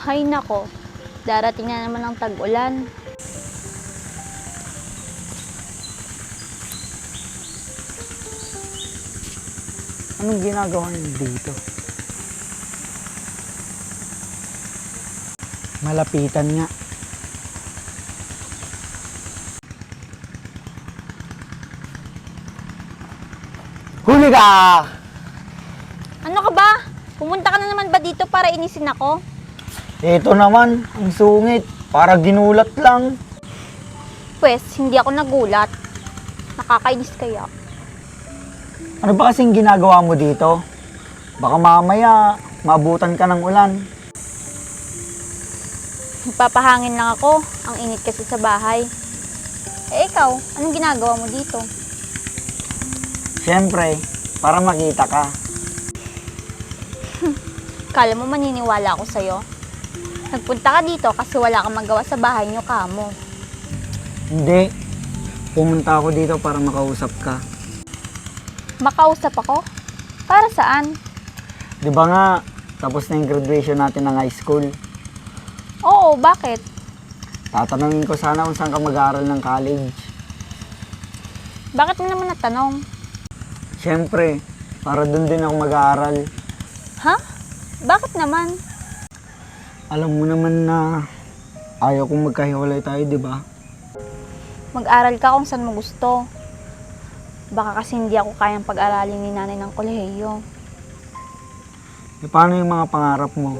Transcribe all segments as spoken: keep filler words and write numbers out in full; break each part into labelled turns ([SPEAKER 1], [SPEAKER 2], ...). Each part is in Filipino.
[SPEAKER 1] Hay nako, darating na naman ang tag-ulan.
[SPEAKER 2] Anong ginagawa niyo dito? Malapitan nga. Huli ka!
[SPEAKER 1] Ano ka ba? Pumunta ka na naman ba dito para inisin ako?
[SPEAKER 2] Ito naman, ang sungit. Para ginulat lang.
[SPEAKER 1] Pwes, hindi ako nagulat. Nakakainis kaya.
[SPEAKER 2] Ano ba kasing ginagawa mo dito? Baka mamaya, maabutan ka ng ulan.
[SPEAKER 1] Nagpapahangin lang ako. Ang init kasi sa bahay. Eh ikaw, anong ginagawa mo dito?
[SPEAKER 2] Siyempre, para makita ka.
[SPEAKER 1] Kala mo maniniwala ako sa'yo? Nagpunta ka dito kasi wala kang magawa sa bahay niyo, kamo.
[SPEAKER 2] Hindi. Pumunta ako dito para makausap ka.
[SPEAKER 1] Makausap ako? Para saan?
[SPEAKER 2] Di ba nga, tapos na yung graduation natin ng high school.
[SPEAKER 1] Oo, bakit?
[SPEAKER 2] Tatanungin ko sana kung saan ka mag-aaral ng college.
[SPEAKER 1] Bakit mo naman natanong?
[SPEAKER 2] Siyempre, para doon din ako mag-aaral.
[SPEAKER 1] Ha? Bakit naman?
[SPEAKER 2] Alam mo naman na ayaw kong magkahiwalay tayo, di ba?
[SPEAKER 1] Mag-aral ka kung saan mo gusto. Baka kasi hindi ako kayang pag-aralin ni nanay ng kolehiyo.
[SPEAKER 2] E paano yung mga pangarap mo?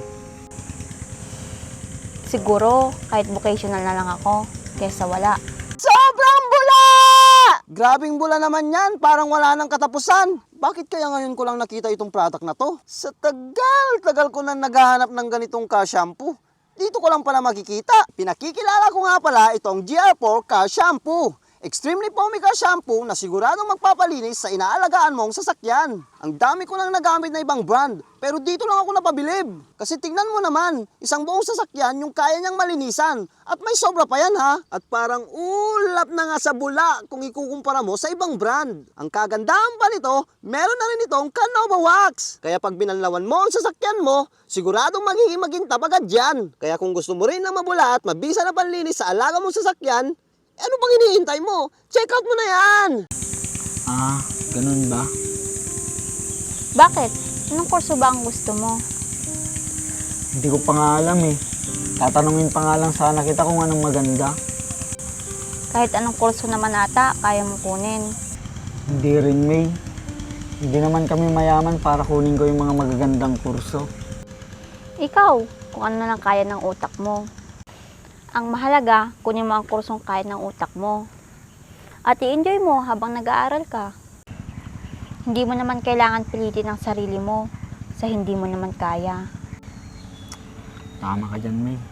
[SPEAKER 1] Siguro, kahit vocational na lang ako, kesa wala.
[SPEAKER 3] Sobrang bula! Grabing bula naman yan, parang wala nang katapusan. Bakit kaya ngayon ko lang nakita itong product na to? Sa tagal-tagal ko na naghahanap ng ganitong ka-shampoo. Dito ko lang pala makikita. Pinakikilala ko nga pala itong G R four Ka-Shampoo. Extremely foamy ka-shampoo na siguradong magpapalinis sa inaalagaan mong sasakyan. Ang dami ko nang nagamit na ibang brand, pero dito lang ako napabilib. Kasi tingnan mo naman, isang buong sasakyan yung kaya niyang malinisan. At may sobra pa yan ha. At parang ulap na nga sa bula kung ikukumpara mo sa ibang brand. Ang kagandahan pa nito, meron na rin itong Canova Wax. Kaya pag binanlawan mo ang sasakyan mo, siguradong magiging magintab agad yan. Kaya kung gusto mo rin na mabula at mabisa na panlinis sa alaga mong sasakyan, ano bang iniintay mo? Check out mo na yan!
[SPEAKER 2] Ah, ganun ba?
[SPEAKER 1] Bakit? Anong kurso ba ang gusto mo?
[SPEAKER 2] Hindi ko pa nga alam eh. Tatanungin pa nga lang sana kita kung anong maganda.
[SPEAKER 1] Kahit anong kurso naman ata, kaya mo kunin.
[SPEAKER 2] Hindi rin, May. Hindi naman kami mayaman para kunin ko yung mga magagandang kurso.
[SPEAKER 1] Ikaw, kung ano na lang kaya ng utak mo. Ang mahalaga, kunin mo ang kursong kaya ng utak mo. At i-enjoy mo habang nag-aaral ka. Hindi mo naman kailangan pilitin ang sarili mo sa hindi mo naman kaya.
[SPEAKER 2] Tama ka dyan, May.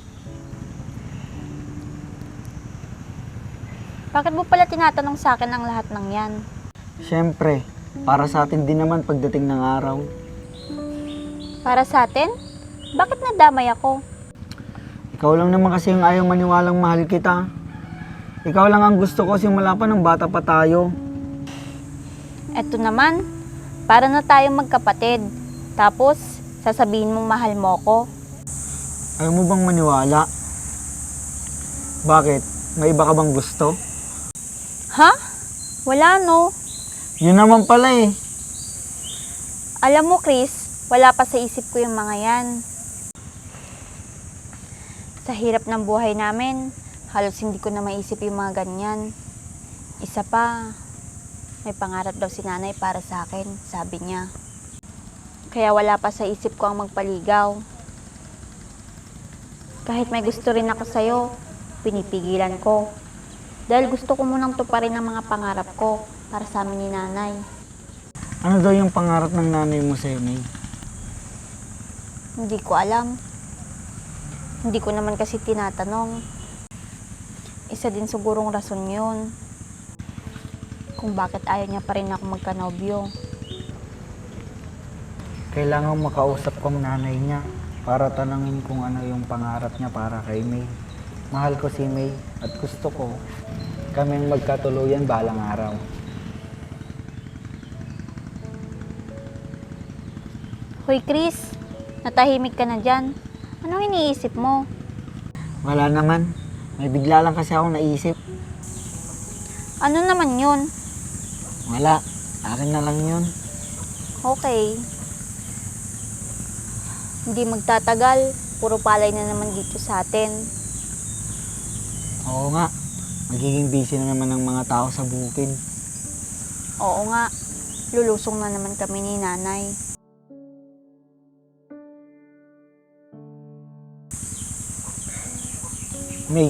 [SPEAKER 1] Bakit mo pala tinatanong sa akin ang lahat ng yan?
[SPEAKER 2] Siyempre, para sa atin din naman pagdating ng araw.
[SPEAKER 1] Para sa atin? Bakit nadamay ako?
[SPEAKER 2] Ikaw lang naman kasi yung ayaw maniwalang mahal kita. Ikaw lang ang gusto ko simula pa ng bata pa tayo.
[SPEAKER 1] Eto naman, para na tayong magkapatid. Tapos, sasabihin mong mahal mo ko.
[SPEAKER 2] Ayaw mo bang maniwala? Bakit? May iba ka bang gusto?
[SPEAKER 1] Ha? Wala no.
[SPEAKER 2] Yun naman pala eh.
[SPEAKER 1] Alam mo Chris, wala pa sa isip ko yung mga yan. Sa hirap ng buhay namin, halos hindi ko na maisip yung mga ganyan. Isa pa, may pangarap daw si nanay para sa akin, sabi niya. Kaya wala pa sa isip ko ang magpaligaw. Kahit may gusto rin ako sa'yo, pinipigilan ko. Dahil gusto ko munang tuparin ang mga pangarap ko para sa amin ni nanay.
[SPEAKER 2] Ano daw yung pangarap ng nanay mo sa'yo, May?
[SPEAKER 1] Hindi ko alam. Hindi ko naman kasi tinatanong. Isa din sigurong rason yun. Kung bakit ayaw niya pa rin ako magkanobyo.
[SPEAKER 2] Kailangan makausap ko ang nanay niya para tanangin kung ano yung pangarap niya para kay May. Mahal ko si May at gusto ko kaming magkatuluyan balang araw.
[SPEAKER 1] Hoy Chris, natahimik ka na dyan. Anong iniisip mo?
[SPEAKER 2] Wala naman. May bigla lang kasi akong naisip.
[SPEAKER 1] Ano naman yun?
[SPEAKER 2] Wala. Akin na lang yun.
[SPEAKER 1] Okay. Hindi magtatagal. Puro palay na naman dito sa atin.
[SPEAKER 2] Oo nga. Magiging busy na naman ng mga tao sa bukid.
[SPEAKER 1] Oo nga. Lulusong na naman kami ni nanay.
[SPEAKER 2] May,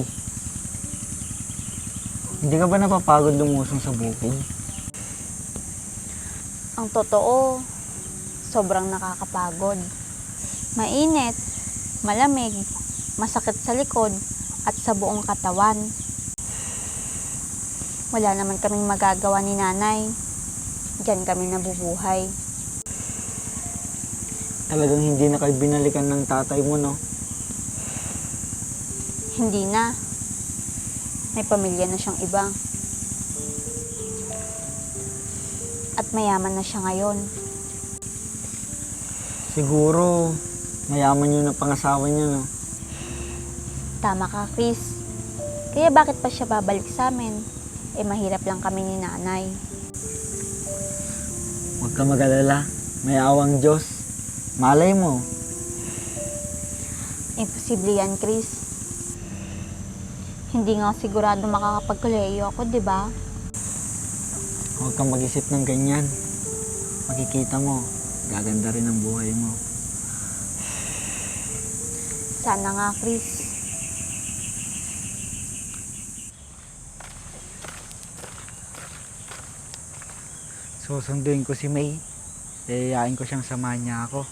[SPEAKER 2] hindi ka ba napapagod lumusong sa bukid?
[SPEAKER 1] Ang totoo, sobrang nakakapagod. Mainit, malamig, masakit sa likod, at sa buong katawan. Wala naman kaming magagawa ni nanay. Diyan kami nabubuhay.
[SPEAKER 2] Talagang hindi na kayo binalikan ng tatay mo, no?
[SPEAKER 1] Hindi na. May pamilya na siyang iba. At mayaman na siya ngayon.
[SPEAKER 2] Siguro, mayaman yun ang pangasawa niya, no?
[SPEAKER 1] Tama ka, Chris. Kaya bakit pa siya babalik sa amin? Eh, mahirap lang kami ni nanay.
[SPEAKER 2] Huwag ka mag-alala. May awang Diyos. Malay mo.
[SPEAKER 1] Imposible yan, Chris. Hindi nga sigurado makakapagkoleyo ako, di ba?
[SPEAKER 2] Huwag kang mag-isip ng ganyan. Makikita mo, gaganda rin ang buhay mo.
[SPEAKER 1] Sana nga, Chris.
[SPEAKER 2] Susunduin ko si May. Yayayain ko siyang samahan niya ako.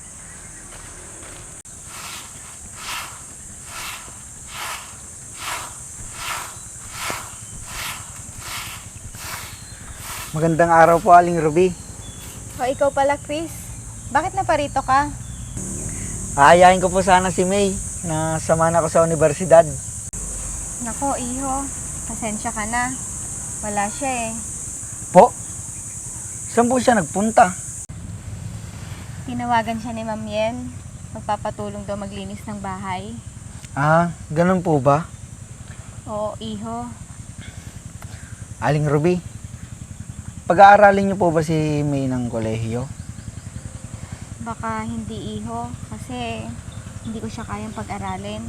[SPEAKER 2] Magandang araw po, Aling Ruby.
[SPEAKER 4] O ikaw pala, Chris. Bakit naparito ka?
[SPEAKER 2] Aayain ko po sana si May na samahan ako sa universidad.
[SPEAKER 4] Nako, iho. Pasensya ka na. Wala siya eh.
[SPEAKER 2] Po? Saan po siya nagpunta?
[SPEAKER 4] Tinawagan siya ni Ma'am Yen. Magpapatulong daw maglinis ng bahay.
[SPEAKER 2] Ah, ganun po ba?
[SPEAKER 4] Oo, iho.
[SPEAKER 2] Aling Ruby, pag-aaralin niyo po ba si May ng kolehiyo?
[SPEAKER 4] Baka hindi, iho. Kasi hindi ko siya kayang pag-aralin.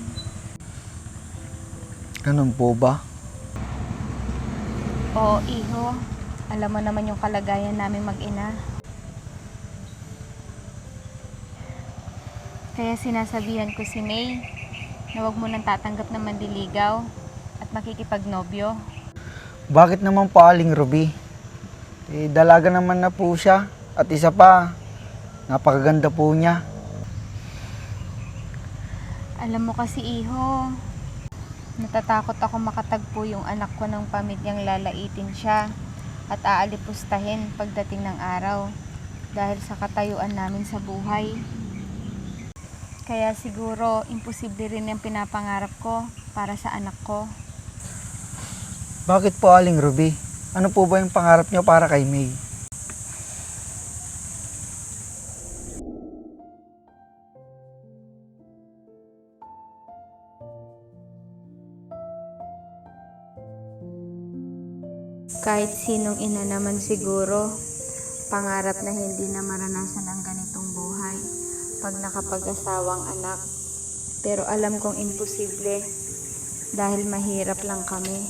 [SPEAKER 2] Ganun po ba?
[SPEAKER 4] Oo, iho. Alam mo naman yung kalagayan namin mag-ina. Kaya sinasabihan ko si May na huwag mo nang tatanggap ng mandiligaw at makikipagnobyo.
[SPEAKER 2] Bakit naman po, Aling Ruby? Eh, dalaga naman na po siya. At isa pa, napakaganda po niya.
[SPEAKER 4] Alam mo kasi, iho, natatakot ako makatagpo yung anak ko ng pamilyang lalaitin siya at aalipustahin pagdating ng araw dahil sa katayuan namin sa buhay. Kaya siguro, imposible rin yung pinapangarap ko para sa anak ko.
[SPEAKER 2] Bakit po, Aling Ruby? Ano po ba yung pangarap niyo para kay May?
[SPEAKER 4] Kahit sinong ina naman siguro, pangarap na hindi na maranasan ang ganitong buhay pag nakapag-asawang anak. Pero alam kong imposible dahil mahirap lang kami.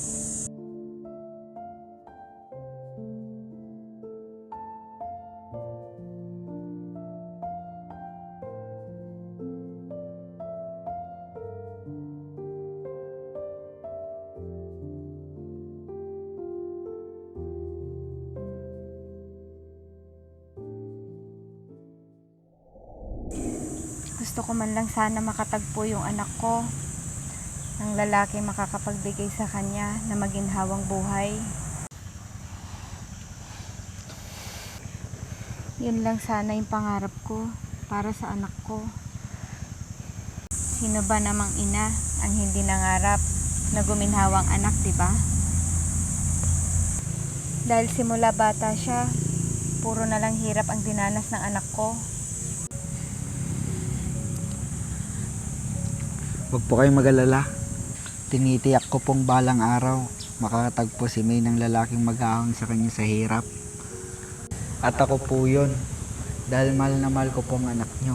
[SPEAKER 4] Gusto ko man lang sana makatagpo yung anak ko ng lalaki makakapagbigay sa kanya na maginhawang buhay. Yun lang sana yung pangarap ko para sa anak ko. Sino ba namang ina ang hindi nangarap na guminhawang anak, di ba? Dahil simula bata siya, puro na lang hirap ang dinanas ng anak ko.
[SPEAKER 2] Huwag po kayong mag-alala. Tinitiyak ko pong balang araw makakatagpo si May ng lalaking mag-aahon sa kanya sa hirap. At ako po yun, dahil mahal na mahal ko pong anak nyo.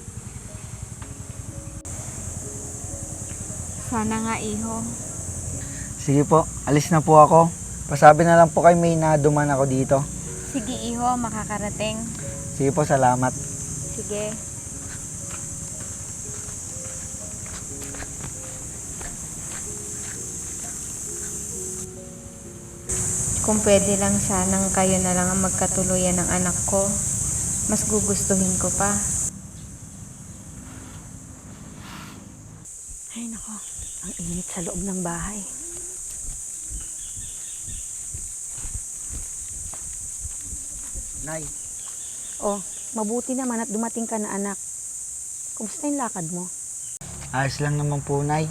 [SPEAKER 4] Sana nga, iho.
[SPEAKER 2] Sige po, alis na po ako. Pasabi na lang po kay May na duman ako dito.
[SPEAKER 4] Sige, iho, makakarating.
[SPEAKER 2] Sige po, salamat.
[SPEAKER 4] Sige. Kung pwede lang sanang kayo na lang ang magkatuluyan ng anak ko, mas gugustuhin ko pa.
[SPEAKER 1] Ay nako, ang init sa loob ng bahay.
[SPEAKER 2] Nay,
[SPEAKER 1] Oh, mabuti naman at dumating ka na anak. Kumusta yung lakad mo?
[SPEAKER 2] ayos lang naman po, Nay.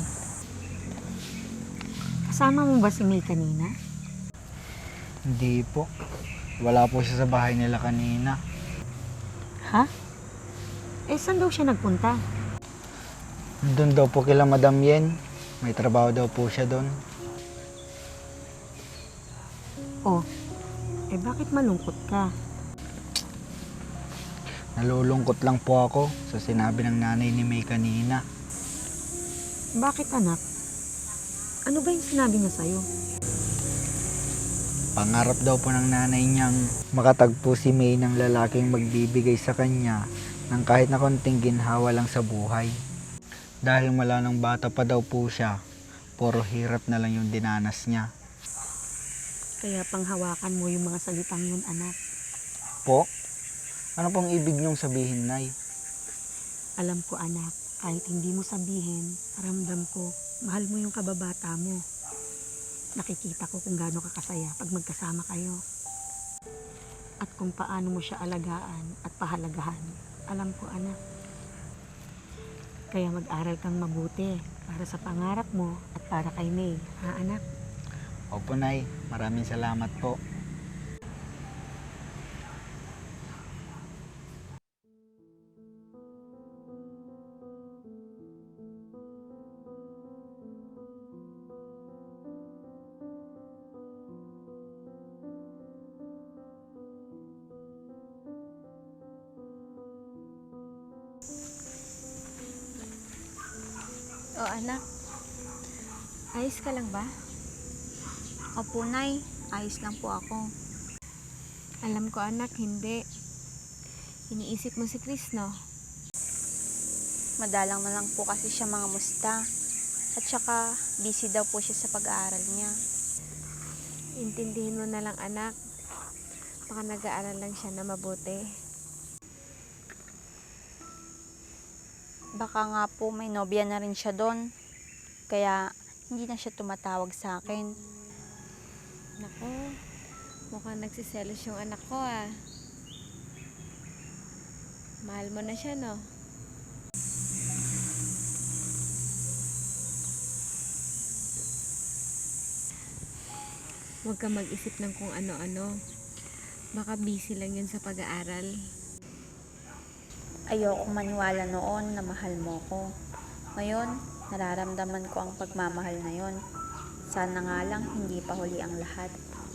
[SPEAKER 1] Kasama mo ba si May kanina?
[SPEAKER 2] Hindi po. Wala po siya sa bahay nila kanina.
[SPEAKER 1] Ha? Eh, saan daw siya nagpunta?
[SPEAKER 2] Doon daw po kila Madam Yen. May trabaho daw po siya doon.
[SPEAKER 1] Oh, eh bakit malungkot ka?
[SPEAKER 2] Nalulungkot lang po ako sa sinabi ng nanay ni May kanina.
[SPEAKER 1] Bakit anak? Ano ba yung sinabi niya sa'yo?
[SPEAKER 2] Pangarap daw po ng nanay niyang makatagpo si May ng lalaking magbibigay sa kanya ng kahit na konting ginhawa lang sa buhay. Dahil mula nang bata pa daw po siya, puro hirap na lang yung dinanas niya.
[SPEAKER 1] Kaya panghawakan mo yung mga salitang yun, anak.
[SPEAKER 2] Po? Ano pong ibig niyong sabihin, Nay?
[SPEAKER 1] Alam ko, anak, kahit hindi mo sabihin, ramdam ko, mahal mo yung kababata mo. Nakikita ko kung gaano ka kasaya pag magkasama kayo. At kung paano mo siya alagaan at pahalagahan. Alam ko, anak. Kaya mag-aral kang mabuti para sa pangarap mo at para kay May. Ha, anak?
[SPEAKER 2] Opo, Nay. Maraming salamat po.
[SPEAKER 4] O anak, ayos ka lang ba?
[SPEAKER 1] Opo, Nay. Ayos lang po ako.
[SPEAKER 4] Alam ko anak, hindi. Iniisip mo si Chris, no?
[SPEAKER 1] Madalang na lang po kasi siya mga musta. At saka, busy daw po siya sa pag-aaral niya.
[SPEAKER 4] Intindihin mo na lang anak. Baka nag-aaral lang siya na mabuti.
[SPEAKER 1] Baka nga po may nobya na rin siya doon. Kaya hindi na siya tumatawag sa akin.
[SPEAKER 4] Naku, mukhang nagsiselos yung anak ko ah. Mahal mo na siya, no? Huwag ka mag-isip ng kung ano-ano. Baka busy lang yun sa pag-aaral.
[SPEAKER 1] Ayokong maniwala noon na mahal mo ko. Ngayon, nararamdaman ko ang pagmamahal na yon. Sana nga lang hindi pa huli ang lahat.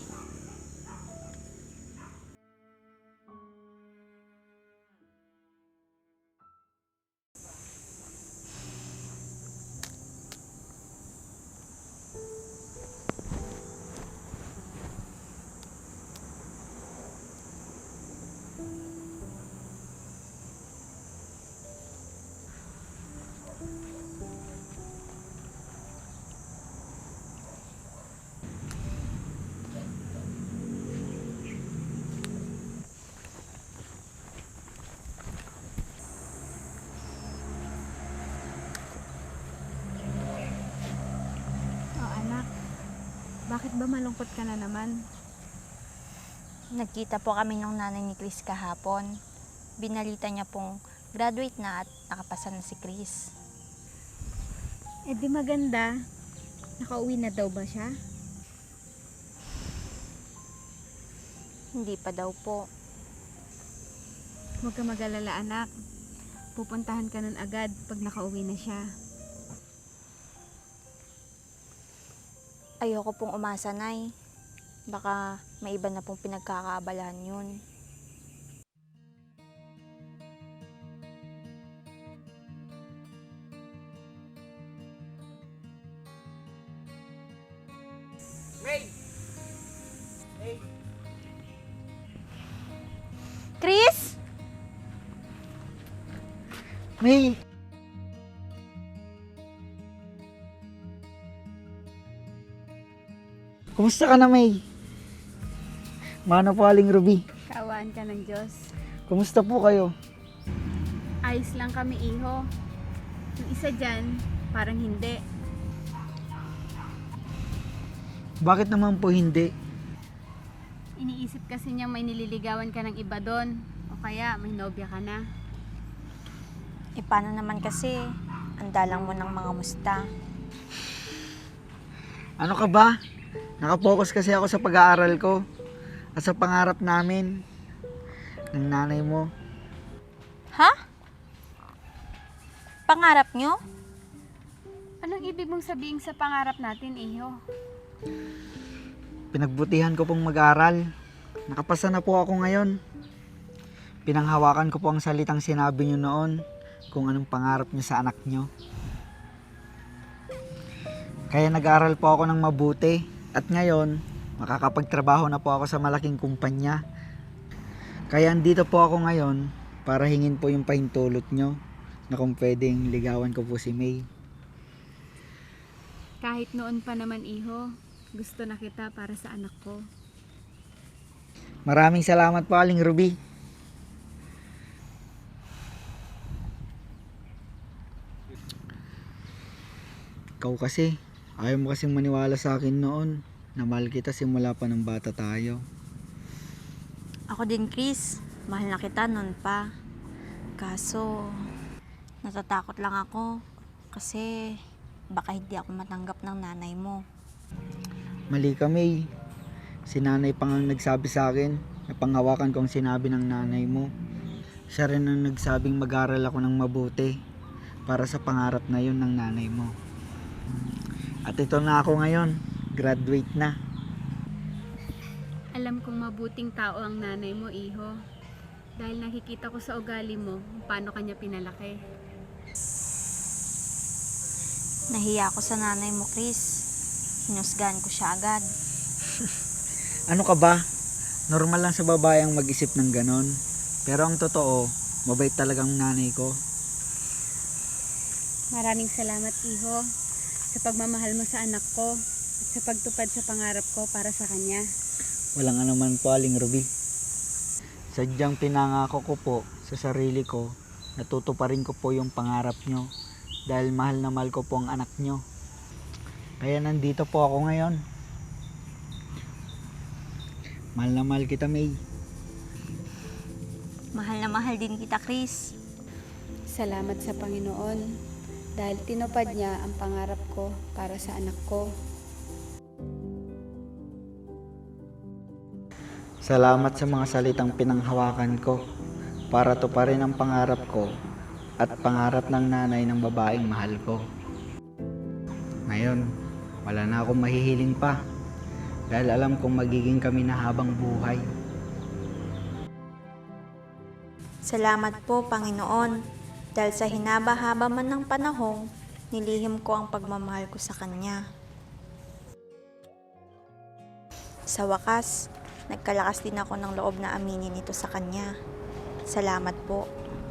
[SPEAKER 4] Oh anak, bakit ba malungkot ka na naman?
[SPEAKER 1] Nagkita po kami ng nanay ni Chris kahapon. Binalita niya pong graduate na at nakapasa na si Chris.
[SPEAKER 4] Eh di maganda. Nakauwi na daw ba siya?
[SPEAKER 1] Hindi pa daw po.
[SPEAKER 4] Huwag ka mag-alala anak. Pupuntahan ka nun agad pag nakauwi na siya.
[SPEAKER 1] Ayoko pong umasa, Nay. Baka may iba na pong pinagkakaabalahan yun. Chris?
[SPEAKER 2] May! Kumusta ka na, May? Mano po, Aling Ruby?
[SPEAKER 4] Kaawaan ka ng Diyos.
[SPEAKER 2] Kumusta po kayo?
[SPEAKER 4] Ayos lang kami, iho. Yung isa dyan, parang hindi.
[SPEAKER 2] Bakit naman po hindi?
[SPEAKER 4] Iniisip kasi niyang may nililigawan ka ng iba doon. O kaya may nobya ka na.
[SPEAKER 1] E paano naman kasi? Andalang mo ng mga musta.
[SPEAKER 2] Ano ka ba? Nakapokus kasi ako sa pag-aaral ko at sa pangarap namin ng nanay mo.
[SPEAKER 1] Ha? Pangarap nyo?
[SPEAKER 4] Anong ibig mong sabihin sa pangarap natin, iho?
[SPEAKER 2] Pinagbutihan ko pong mag-aral. Nakapasa na po ako ngayon. Pinanghawakan ko po ang salitang sinabi nyo noon kung anong pangarap nyo sa anak nyo. Kaya nag-aral po ako ng mabuti at ngayon makakapagtrabaho na po ako sa malaking kumpanya. Kaya andito po ako ngayon para hingin po yung pahintulot nyo na kung pwedeng ligawan ko po si May.
[SPEAKER 4] Kahit noon pa naman, iho, gusto na kita para sa anak ko.
[SPEAKER 2] Maraming salamat po, Aling Ruby. Ikaw kasi, ayaw mo kasing maniwala sa akin noon na mahal kita simula pa ng bata tayo.
[SPEAKER 1] Ako din, Chris. Mahal na kita nun pa. Kaso, natatakot lang ako kasi baka hindi ako matanggap ng nanay mo.
[SPEAKER 2] Mali ka, May. Si nanay pang ang nagsabi sa akin na panghawakan ko ang sinabi ng nanay mo. Siya rin ang nagsabing mag-aral ako ng mabuti para sa pangarap na yun ng nanay mo. At ito na ako ngayon, graduate na.
[SPEAKER 4] Alam kong mabuting tao ang nanay mo, iho. Dahil nakikita ko sa ugali mo kung paano kanya pinalaki.
[SPEAKER 1] Nahiya ako sa nanay mo, Chris. Hinusgahan ko siya agad.
[SPEAKER 2] Ano ka ba? Normal lang sa babae ang mag-isip ng ganon. Pero ang totoo, mabait talagang nanay ko.
[SPEAKER 4] Maraming salamat, iho, sa pagmamahal mo sa anak ko at sa pagtupad sa pangarap ko para sa kanya.
[SPEAKER 2] Walang anuman po, Aling Ruby. Sadyang pinangako ko po sa sarili ko, natutuparin ko po yung pangarap nyo dahil mahal na mahal ko po ang anak nyo. Kaya nandito po ako ngayon. Mahal na mahal kita, May.
[SPEAKER 1] Mahal na mahal din kita, Chris.
[SPEAKER 4] Salamat sa Panginoon dahil tinupad niya ang pangarap ko para sa anak ko.
[SPEAKER 2] Salamat sa mga salitang pinanghawakan ko para tuparin ang pangarap ko at pangarap ng nanay ng babaeng mahal ko. Ngayon, wala na akong mahihiling pa dahil alam kong magiging kami na habang buhay.
[SPEAKER 1] Salamat po, Panginoon, dahil sa hinaba-haba man ng panahong, nilihim ko ang pagmamahal ko sa Kanya. Sa wakas, nagkalakas din ako ng loob na aminin ito sa Kanya. Salamat po.